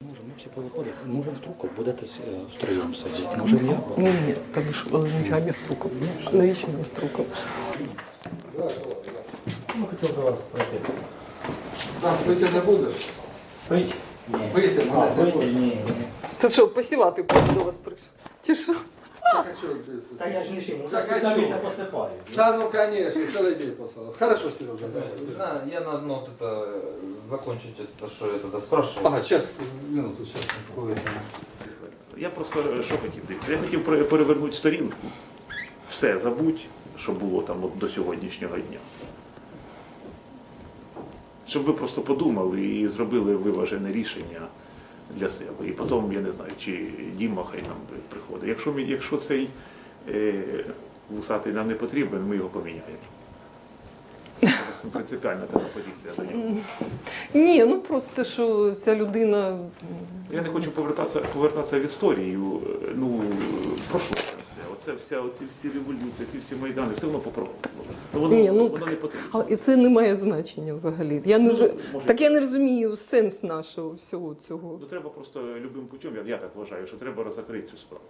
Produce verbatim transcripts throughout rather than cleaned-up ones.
Може, ми всі повиходимо. Може, в Труков будете втроєм сидіти? Може, я? Ні, ні, там ж означає без труков. Навіщо без труков? Ну, хотів до вас пройти. Так, вийти не будеш? Пить? Ні. Вийти А, мене не вийти? будеш. Ні, ні. Це що, посівати до вас прийшов? Чи що? Так, а чого ти? Та я ж не шив, Так, уже а самі чого? не посипаю. Да, ну конечно, целый день послал. Хорошо, Сережа. Да, я на одно вот это закончить это, что я тогда спрашивал. Ага, сейчас, минуту, сейчас. Я просто що хотів дивитися? Я хотів пере- перевернути сторінку, все забудь, що було там от до сьогоднішнього дня. Щоб ви просто подумали і зробили виважене рішення для себе. І потім, я не знаю, чи Діма хай нам приходить. Якщо, ми- якщо цей е, вусатий нам не потрібен, ми його поміняємо. Це принципіальна така позиція до нього. Ні, ну просто що ця людина. Я не хочу повертатися, повертатися в історію, ну, в прошлое все. Оце вся, оці всі революції, ці всі майдани, все воно попробувало. Ну, воно, Ні, ну, воно не потрібно. Але і це не має значення взагалі. Я не Ну, з- може- Так я не розумію сенс нашого всього цього. Ну, треба просто любим путем, я, я так вважаю, що треба розкрити цю справу.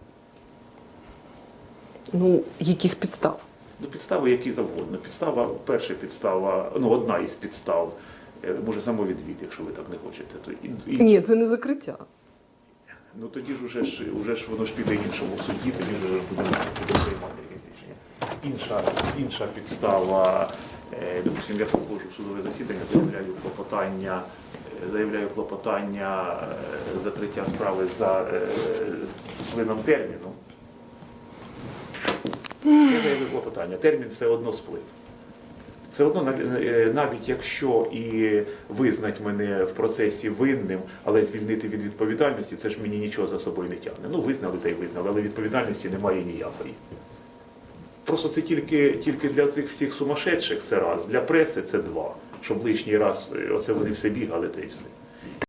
Ну, яких підстав? Ну, підстави які завгодно. Підстава, перша підстава, ну, одна із підстав, е, може самовідвід, якщо ви так не хочете. То і, і, Ні, це не закриття. Ну тоді ж уже ж, уже ж воно ж піде іншому суді, тоді вже буде, буде приймати якесь рішення. Інша, інша підстава, е, допустим, я проходжу в судове засідання, заявляю клопотання, е, заявляю клопотання е, закриття справи за е, сплином терміну. Я заявив клопотання, термін все одно сплив. Все одно, нав- е, навіть якщо і визнать мене в процесі винним, але звільнити від відповідальності, це ж мені нічого за собою не тягне. Ну, визнали та й визнали, але відповідальності немає ніякої. Просто це тільки, тільки для цих всіх сумасшедших це раз, для преси це два. Щоб лишній раз, е, оце вони все бігали та й все.